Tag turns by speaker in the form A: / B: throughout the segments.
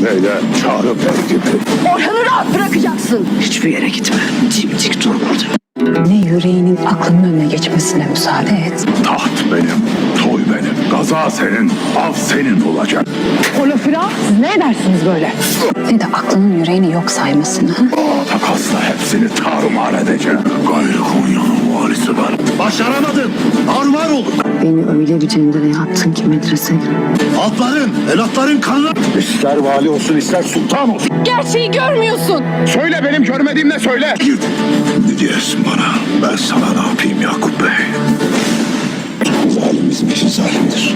A: eyle, çağrı bey gibi.
B: Orhan'ı rahat bırakacaksın. Hiçbir yere gitme. Dimdik dur burada.
C: Ne yüreğinin aklının önüne geçmesine müsaade et.
A: Taht benim, toy benim. Gaza senin, av senin olacak.
B: O lafı rahat. Siz ne edersiniz böyle?
C: Ne de aklının yüreğini yok saymasını. Ha?
A: Takasla hepsini tarumar edeceğim. Gayrı Konya'nın valisi ben.
D: Başaramadın. Armağan oldun.
C: Beni öyle bir cendereye attın ki medresede.
D: Altların, evlatların kanına.
A: İster vali olsun, ister sultan olsun.
B: Gerçeği görmüyorsun.
A: Söyle, benim görmediğim ne söyle.
D: Git. Ne diyorsun bana? Ben sana ne yapayım Yakup Bey? Zalim bizim için zalimdir.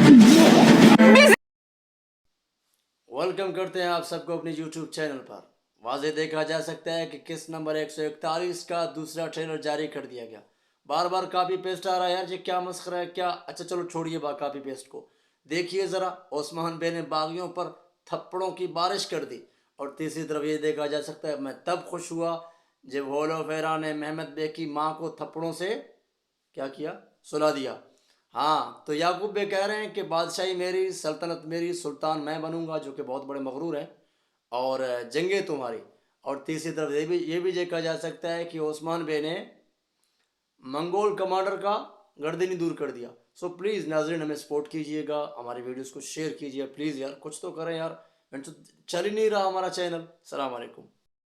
E: Welcome करते हैं आप सबको अपने YouTube channel पर। वाज़े देखा जा सकता है कि किस नंबर 141 का दूसरा ट्रेलर जारी कर दिया गया। बार बार कॉपी पेस्ट आ रहा है यार, ये क्या मस्खरा है क्या। अच्छा चलो छोड़िए कॉपी पेस्ट को, देखिए ज़रा ओस्मान बे ने बागियों पर थप्पड़ों की बारिश कर दी। और तीसरी तरफ ये देखा जा सकता है मैं तब खुश हुआ जब होलो फेरा ने मेहमद बे की माँ को थप्पड़ों से क्या किया, सुला दिया। हाँ, तो याकूब बे कह रहे हैं कि बादशाही मेरी, सल्तनत मेरी, सुल्तान मैं बनूंगा, जो कि बहुत बड़े मगरूर हैं, और जंगे तुम्हारी। और तीसरी तरफ ये भी देखा जा सकता है कि ओस्मान बे ने मंगोल कमांडर का गर्दनी दूर कर दिया। सो प्लीज़ नाजरीन हमें सपोर्ट कीजिएगा, हमारी वीडियोस को शेयर कीजिए प्लीज़ यार, कुछ तो करें यार, तो चल ही नहीं रहा हमारा चैनल। सलाम अलैकुम।